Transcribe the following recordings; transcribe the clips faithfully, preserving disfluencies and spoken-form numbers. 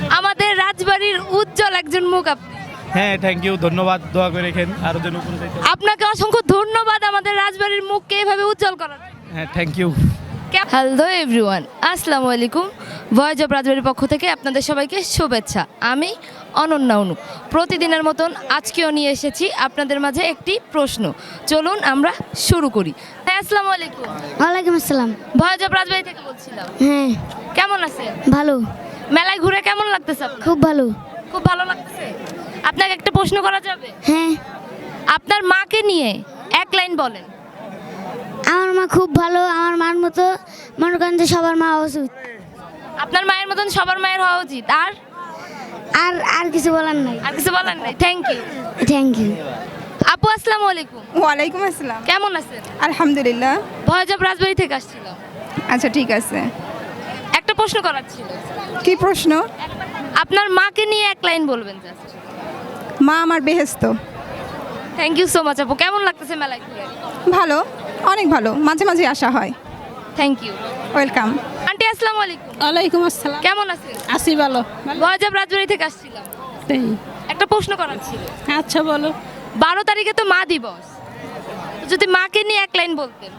আমাদের রাজবাড়ির উজ্জ্বল একজন মুখ আপনি। হ্যাঁ, থ্যাংক ইউ, ধন্যবাদ। দোয়া করে রেখেন আরো যেন উপরে যাইতে। আপনাকে অসংখ্য ধন্যবাদ আমাদের রাজবাড়ির মুখকে এভাবে উজ্জ্বল করার। হ্যাঁ, থ্যাংক ইউ। হ্যালো এভরিওয়ান, আসসালামু আলাইকুম। ভয়েস অফ রাজবাড়ির পক্ষ থেকে আপনাদের সবাইকে শুভেচ্ছা। আমি অনন্যা অনু। প্রতিদিনের মতন আজকেও নিয়ে এসেছি আপনাদের মাঝে একটি প্রশ্ন। চলুন আমরা শুরু করি। হ্যাঁ, আসসালামু আলাইকুম। ওয়ালাইকুম আসসালাম। ভয়েস অফ রাজবাড়ি থেকে বলছিলাম। হ্যাঁ, কেমন আছেন? ভালো, মেলায় ঘুরে কেমন লাগতেছে আপনার? খুব ভালো। খুব ভালো লাগতেছে। আপনাকে একটা প্রশ্ন করা যাবে? হ্যাঁ, আপনার মাকে নিয়ে এক লাইন বলেন। আমার মা খুব ভালো, আমার মার মতো মনে করেন যে সবার মা হওয়া উচিত। আপনার মায়ের মতন সবার মায়ের হওয়া উচিত। আর আর আর কিছু বলার নাই। আর কিছু বলার নাই। Thank you. Thank you. আপু আসসালামু আলাইকুম। ওয়ালাইকুম আসসালাম। কেমন আছেন? আলহামদুলিল্লাহ। ভয়েস অফ রাজবাড়ি থেকে আসছিলাম। আচ্ছা, ঠিক আছে। একটা প্রশ্ন করার ছিল। কি প্রশ্ন? আপনার মাকে নিয়ে এক লাইন বলবেন জাস্ট। মা আমার বেহেস্ত। থ্যাংক ইউ সো মাচ আপু। কেমন লাগতেছে মেলায় ঘুরে? ভালো, অনেক ভালো, মাঝে মাঝে আসা হয়। Thank you. ওয়েলকাম। আন্টি আসসালামু আলাইকুম। ওয়ালাইকুম আসসালাম। কেমন আছেন? আসি ভালো। ভয়েস অফ রাজবাড়ি থেকে আসছিলাম। তাই? একটা প্রশ্ন করার ছিল। আচ্ছা বলো। বারো তারিখে তো মা দিবস, তো যদি মাকে নিয়ে এক লাইন বলতেন।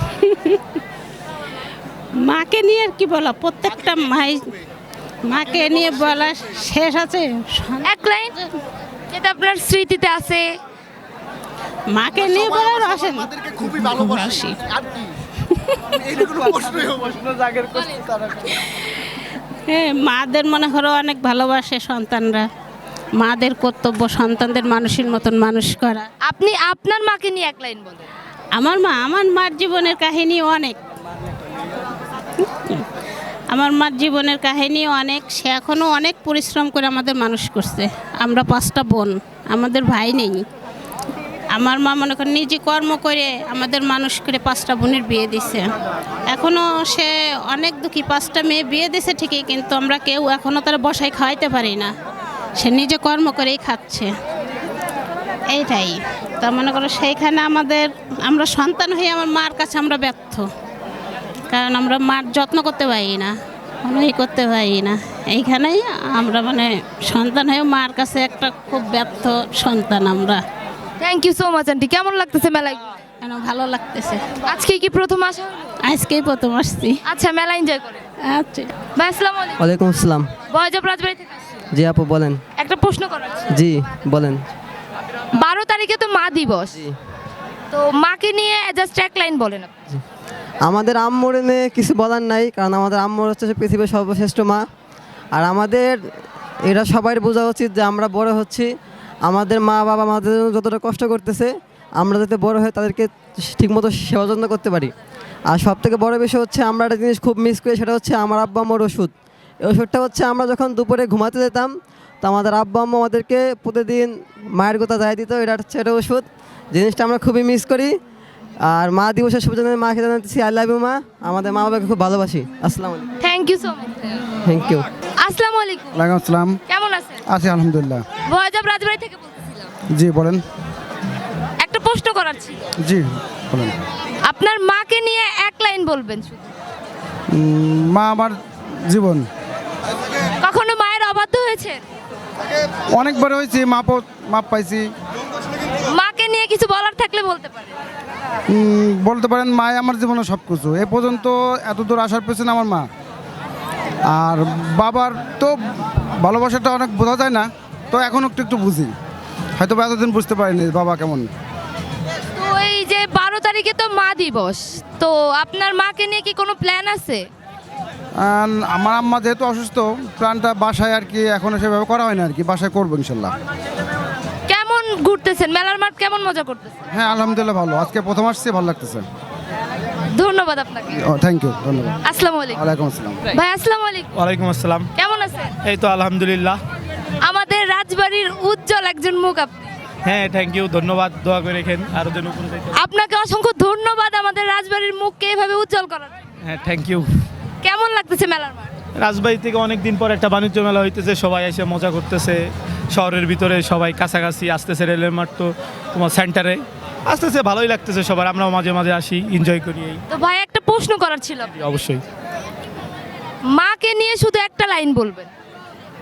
মাকে নিয়ে আর কি বলা, প্রত্যেকটা মাই মাকে নিয়ে বলা শেষ আছে। এক লাইন যেটা আপনার স্মৃতিতে আছে। মাকে নিয়ে বলার আসে না। আমাদেরকে খুবই ভালোবাসি আর কি এইটা কোনো প্রশ্নই প্রশ্ন জাগের করতে তারা হ্যাঁ, মাদের মনে করো অনেক ভালোবাসে সন্তানরা। মাদের কর্তব্য সন্তানদের মানুষের মতন মানুষ করা। আপনি আপনার মাকে নিয়ে এক লাইন বলেন। আমার মা, আমার মার জীবনের কাহিনী অনেক। আমার মার জীবনের কাহিনী অনেক। সে এখনও অনেক পরিশ্রম করে আমাদের মানুষ করছে। আমরা পাঁচটা বোন, আমাদের ভাই নেই। আমার মা মনে করেন নিজে কর্ম করে আমাদের মানুষ করে পাঁচটা বোনের বিয়ে দিছে। এখনও সে অনেক দুঃখী। পাঁচটা মেয়ে বিয়ে দিছে ঠিকই, কিন্তু আমরা কেউ এখনও তারা বসায় খাওয়াইতে পারি না। সে নিজে কর্ম করেই খাচ্ছে, এইটাই। তা মনে করো সেইখানে আমাদের, আমরা সন্তান হয়ে আমার মার কাছে আমরা ব্যর্থ, কারণ আমরা মার যত্ন করতে পারি না, কোনোই করতে পারি না। এইখানেই আমরা মানে সন্তান হয়ে মার কাছে একটা খুব ব্যর্থ সন্তান আমরা। Thank you so much aunty. কেমন লাগতেছে মেলায় ঘুরে? কেন ভালো লাগতেছে। আজকে কি প্রথম আসা হলো? আজকেই প্রথম আসছি। আচ্ছা, মেলা এনজয় করেন। আচ্ছা, ভাই আসসালামু আলাইকুম। ওয়ালাইকুম আসসালাম। ভয়েস অফ রাজবাড়ি থেকে আসছি। জি আপু বলেন। একটা প্রশ্ন করার ছিল। জি বলেন। বারো তারিখে তো মা দিবস, তো মাকে নিয়ে জাস্ট এক লাইন বলেন আপনি। আমাদের আম্মুর নিয়ে কিছু বলার নাই, কারণ আমাদের আম্মুর হচ্ছে পৃথিবীর সর্বশ্রেষ্ঠ মা। আর আমাদের এটা সবাই বোঝা উচিত যে আমরা বড় হচ্ছি, আমাদের মা বাবা আমাদের জন্য যতটা কষ্ট করতেছে, আমরা যাতে বড় হয়ে তাদেরকে ঠিকমতো সেবা যত্ন করতে পারি। আর সব থেকে বড় বিষয় হচ্ছে আমরা একটা জিনিস খুব মিস করি, সেটা হচ্ছে আমার আব্বা আম্মুর ওষুধ। এই ওষুধটা হচ্ছে আমরা যখন দুপুরে ঘুমাতে যেতাম, তো আমাদের আব্বা আম্মু আমাদেরকে প্রতিদিন মায়ের কথা যায় দিত। এটা হচ্ছে এটা ওষুধ, জিনিসটা আমরা খুবই মিস করি। আর মা দিবসের শুভেচ্ছা মাকে জানাতেছি আই লাভ ইউ মা। আমাদের মা বাবাকে খুব ভালোবাসি। আসসালামু আলাইকুম। Thank you so much. Thank you. আসসালামু আলাইকুম। ওয়ালাইকুম আসসালাম। কেমন আছেন? আছি আলহামদুলিল্লাহ। ভয়েস অফ রাজবাড়ি থেকে বলতেছিলাম। জি বলেন। একটা প্রশ্ন করার ছিল। জি বলেন। আপনার মাকে নিয়ে এক লাইন বলবেন শুধু। উম, মা আমার জীবন। কখনো মায়ের অবাধ্য হয়েছে? অনেকবার হয়েছি, মাপ মাপ পাইছি। মাকে নিয়ে কিছু বলার থাকলে বলতে পারেন। উম, বলতে পারেন মায় আমার জীবনে সব কিছু। এ পর্যন্ত এত দূর আসার পেছনে আমার মা। আর বাবার তো ভালোবাসাটা অনেক বোঝা যায় না, তো এখন একটু একটু বুঝি। হয়তো বা এতদিন বুঝতে পারিনি বাবা কেমন। তো এই যে বারো তারিখে তো মা দিবস, তো আপনার মাকে নিয়ে কি কোনো প্ল্যান আছে? আর আমার আম্মা যেহেতু অসুস্থ, প্ল্যানটা বাসায় আর কি এখনো সেভাবে করা হয় না আর কি। বাসায় করবো ইনশাল্লাহ। কেমন ঘুরতেছেন? মেলার মাঠ কেমন মজা করতেছেন? হ্যাঁ আলহামদুলিল্লাহ ভালো। আজকে প্রথম আসছি, ভালো লাগতেছে। ধন্যবাদ আপনাকে। ও থ্যাংক ইউ, ধন্যবাদ। আসসালামু আলাইকুম। ওয়ালাইকুম আসসালাম। ভাই আসসালামু আলাইকুম। ওয়ালাইকুম আসসালাম। কেমন আছেন? এই তো আলহামদুলিল্লাহ। আমাদের রাজবাড়ির উজ্জ্বল একজন মুখ আপনি। হ্যাঁ, থ্যাংক ইউ, ধন্যবাদ। দোয়া করে রেখেন আরো যেন উপরে যাইতে। আপনাকে অসংখ্য ধন্যবাদ আমাদের রাজবাড়ির মুখকে এভাবে উজ্জ্বল করার। হ্যাঁ, থ্যাংক ইউ। কেমন লাগতেছে মেলার মাঠ? রাজবাড়ি থেকে অনেক দিন পর একটা বাণিজ্য মেলা হইতেছে, সবাই এসে মজা করতেছে। শহরের ভিতরে সবাই কাছাকাছি আসতেছে, রেলের মাঠ তো তোমার সেন্টারে আসতেছে, ভালোই লাগতেছে সবার। আমরাও মাঝে মাঝে আসি, এনজয় করি। এই তো ভাই একটা প্রশ্ন করার ছিল। অবশ্যই। মাকে নিয়ে শুধু একটা লাইন বলবেন।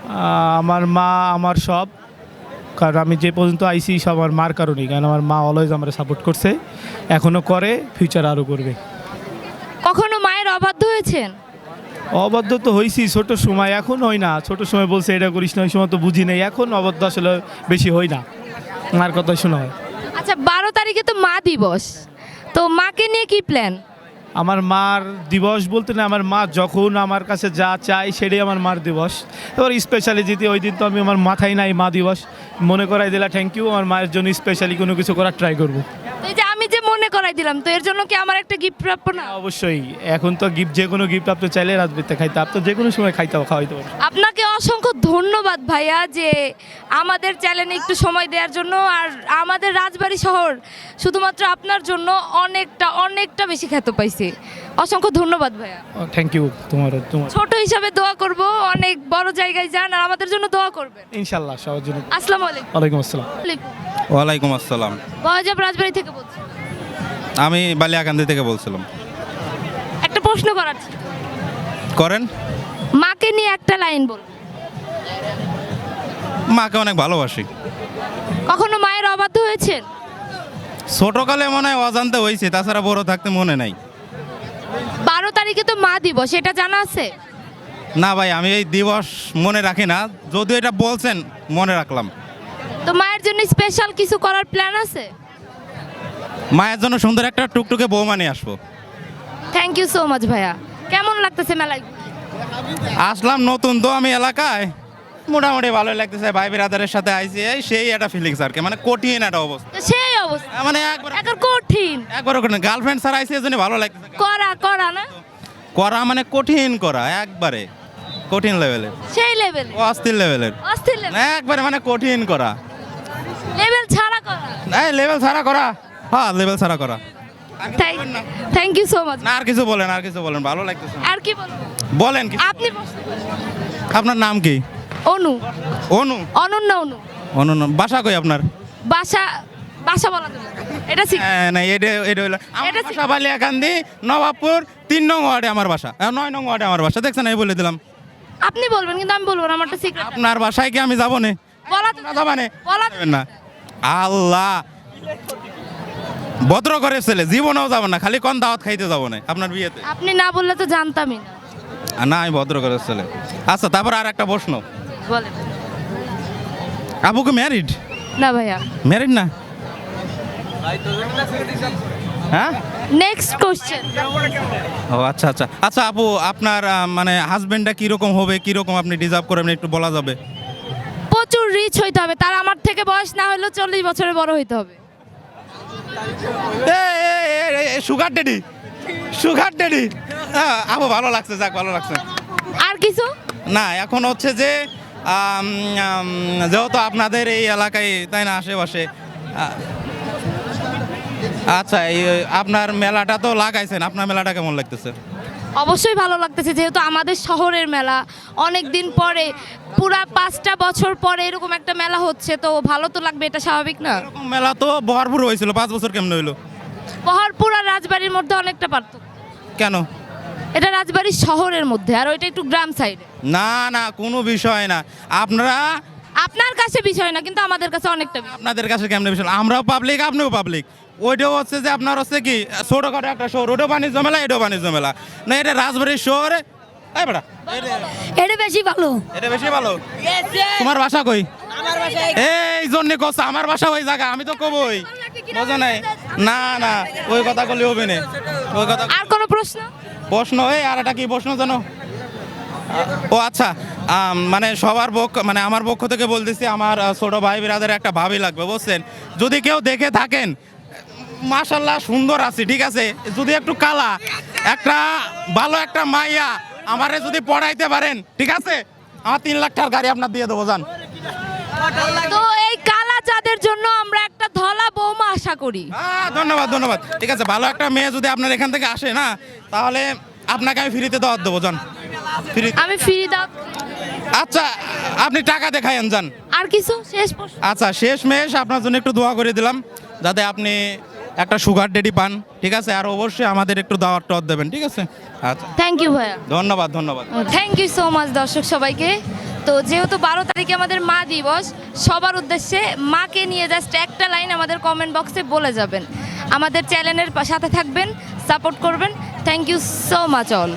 আমার মা আমার সব, কারণ আমি যে পর্যন্ত আইসি সব আমার মার কারণেই, কারণ আমার মা অলওয়েজ আমার সাপোর্ট করছে, এখনও করে, ফিউচার আরও করবে। কখনো মায়ের অবাধ্য হয়েছেন? অবাধ্য তো হয়েছি ছোট সময়, এখন হয় না। ছোট সময় বলছে এটা করিস না, ওই সময় তো বুঝি নাই, এখন অবাধ্য আসলে বেশি হয় না, মার কথা শোনা হয়। আচ্ছা, বারো তারিখে তো মা দিবস, তো মাকে নিয়ে কি প্ল্যান? আমার মার দিবস বলতে না, আমার মা যখন আমার কাছে যা চায় সেটাই আমার মার দিবস। এবার স্পেশালি যদি ওই দিন তো আমি আমার মাথায় নাই মা দিবস, মনে করাই দিলা থ্যাংক ইউ, আমার মায়ের জন্য স্পেশালি কোনো কিছু করার ট্রাই করবো। তো এই যে আমি যে মনে করাই দিলাম, তো এর জন্য কি আমার একটা গিফট প্রাপ্য না? অবশ্যই, এখন তো গিফট, যে কোনো গিফট আপনি চাইলে রাজবিতে খাইতে, আপনি যে কোনো সময় খাইতে খাওয়াইতে পারবেন। আপনাকে অসংখ্য ধন্যবাদ ভাইয়া, যে আমাদের চ্যানেলে একটু সময় দেওয়ার জন্য। আর আমাদের রাজবাড়ী শহর শুধুমাত্র আপনার জন্য অনেকটা অনেকটা বেশি খ্যাত পাইছে। অসংখ্য ধন্যবাদ ভাইয়া। থ্যাংক ইউ তোমার তোমার ছোট হিসাবে দোয়া করব, অনেক বড় জায়গায় যান আর আমাদের জন্য দোয়া করবেন ইনশাল্লাহ সবার জন্য। আসসালামু আলাইকুম। ওয়ালাইকুম আসসালাম। ওয়ালাইকুম আসসালাম। বয়জাব রাজবাড়ী থেকে বলছি। আমি বালিয়াকান্দি থেকে বলছিলাম। একটা প্রশ্ন করার ছিল। করেন। মাকে নিয়ে একটা লাইন বল। মাকে অনেক ভালোবাসি। কখনো মায়ের অবাধ্য হয়েছেন? ছোটকালে মনে হয় অজান্তে হয়েছে, তাছাড়া বড় থাকতে মনে নাই। বারো তারিখে তো মা দিবস, এটা জানা আছে? না ভাই, আমি এই দিবস মনে রাখি না, যদিও এটা বলছেন মনে রাখলাম। তো মায়ের জন্য স্পেশাল কিছু করার প্ল্যান আছে? মায়ের জন্য সুন্দর একটা টুকটুকে বৌমা নিয়ে আসবো। থ্যাংক ইউ সো মাচ ভাইয়া। কেমন লাগতেছে মেলায়? আসলাম নতুন তো আমি এলাকায়, মোটামুটি ভালোই লাগতেছে। ভাই বিরাদারের সাথে আইসি, এই সেই একটা ফিলিংস আর কি, মানে কঠিন একটা অবস্থা, তো সেই অবস্থা মানে একবার একবার কঠিন। একবার গার্লফ্রেন্ড ছাড়া আইসি, এজন্য ভালো লাগতেছে। করা করা না করা মানে কঠিন করা, একবারে কঠিন লেভেলের, সেই লেভেল, অস্থির লেভেলের, অস্থির লেভেল, একবারে মানে কঠিন করা, লেভেল ছাড়া করা। এই লেভেল ছাড়া করা, হ্যাঁ লেভেল ছাড়া করা। Thank you so much. না আর কিছু বলেন, আর কিছু বলেন, ভালো লাগতেছে। আর কি বলবো? বলেন কি? আপনি প্রশ্ন করেন। আপনার নাম কি? অনু। অনু? অনন্যা অনু। অনু নাম। বাসা কই আপনার? বাসা বাসা বলা যাবে না। এটা ঠিক। হ্যাঁ, না এটা এটা হলো আমার এটা বাসা বালিয়াকান্দি, নবাবপুর তিন নং ওয়ার্ডে আমার বাসা, আহ, নয় নং ওয়ার্ডে আমার বাসা। দেখছেন, এই বলে দিলাম। আপনি বলবেন কিন্তু আমি বলবো না, আমারটা সিক্রেট। আপনার বাসায় কি আমি যাবো না? বলা তো না যাবা না? বলা যাবেন না? আল্লাহ, ভদ্র করে ছেলে, জীবনেও যাবো না, খালি কোন দাওয়াত খাইতে যাবো না আপনার বিয়েতে। আপনি না বললে তো জানতামই না। আর না, আমি ভদ্র করে ছেলে। আচ্ছা, তারপর আর একটা প্রশ্ন, বলেন। আবুকে ম্যারিড? না ভাইয়া। ম্যারিড না? হ্যাঁ, নেক্সট কোশ্চেন। ও আচ্ছা আচ্ছা আচ্ছা আপু, আপনার আহ, মানে হাজবেন্ডটা কিরকম হবে, কিরকম আপনি ডিজার্ভ করেন, একটু বলা যাবে? প্রচুর রিচ হইতে হবে, তার আমার থেকে বয়স না হলেও চল্লিশ বছরের বড় হইতে হবে। Sugar daddy, sugar daddy. আপু ভালো লাগছে, যাক ভালো লাগছে। আর কিছু না, এখন হচ্ছে যে আম, আম, যেহেতু আপনাদের এই এলাকায়, তাই না, আশেপাশে, আ, আচ্ছা, এই আপনার মেলাটা তো লাগাইছেন, আপনার মেলাটা কেমন লাগতেছে? অবশ্যই ভালো লাগতেছে, যেহেতু আমাদের শহরের মেলা, অনেক দিন পরে, পুরা পাঁচটা বছর পরে এরকম একটা মেলা হচ্ছে, তো ভালো তো লাগবে, এটা স্বাভাবিক না? এরকম মেলা তো ভরপুর হয়েছিল, পাঁচ বছর কেমন হইলো? বহরপুর আর রাজবাড়ির মধ্যে অনেকটা পার্থক্য। কেন? এটা রাজবাড়ির শহরের মধ্যে, আর ওইটা একটু গ্রাম সাইডে। না না, কোনো বিষয় না। আপনারা, আপনার কাছে বিষয় না, কিন্তু আমাদের কাছে অনেকটা বিষয়। আপনাদের কাছে কেমন বিষয়? আমরাও পাবলিক, আপনিও পাবলিক। ওইটাও হচ্ছে যে আপনার হচ্ছে কি ছোটখাটো একটা শহর, ওটাও বাণিজ্য মেলা, এটাও বাণিজ্য মেলা না, এটা রাজবাড়ির শহরে। এই বেটা, এটা বেশি ভালো। এটা বেশি ভালো। তোমার বাসা কই? এই জন্য কস আমার বাসা ওই জায়গা, আমি তো কবই, বোঝো নাই? না না, ওই কথা বললে হবে না, ওই কথা। আর কোনো প্রশ্ন? প্রশ্ন, এই আর একটা কি প্রশ্ন জানো? ও আচ্ছা, আম, মানে সবার পক্ষ, মানে আমার পক্ষ থেকে বলতেছি, আমার আহ, ছোট ভাই বিরাদের একটা ভাবি লাগবে, বুঝছেন? যদি কেউ দেখে থাকেন, মাশাল্লাহ সুন্দর আছে, ঠিক আছে, যদি একটু কালা, একটা ভালো একটা মাইয়া আমারে যদি পড়াইতে পারেন, ঠিক আছে, আমার তিন লাখ টাকার গাড়ি আপনার দিয়ে দেবো, যান। তো এই কালা চাঁদের জন্য আমরা একটা ধলা বৌমা আশা করি। আহ, ধন্যবাদ ধন্যবাদ। ঠিক আছে, ভালো একটা মেয়ে যদি আপনার এখান থেকে আসে না, তাহলে আপনাকে আমি ফ্রিতে দাওয়াত দেবো, যান। ফ্রি? আমি ফ্রি দাও। আচ্ছা, আপনি টাকা দেখায়েন, যান। আর কিছু শেষ প্রশ্ন? আচ্ছা, শেষ মেশ আপনার জন্য একটু দোয়া করে দিলাম, যাতে আপনি একটা সুগার ডেডি পান, ঠিক আছে, আর অবশ্যই আমাদের একটু দাওয়াত টাওয়াত দেবেন, ঠিক আছে? আচ্ছা, থ্যাংক ইউ ভাইয়া। ধন্যবাদ ধন্যবাদ। থ্যাংক ইউ সো মাচ দর্শক সবাইকে। তো যেহেতু বারো তারিখে আমাদের মা দিবস, সবার উদ্দেশ্যে মাকে নিয়ে জাস্ট একটা লাইন আমাদের কমেন্ট বক্সে বলে যাবেন। আমাদের চ্যানেলের সাথে থাকবেন, সাপোর্ট করবেন। Thank you so much all.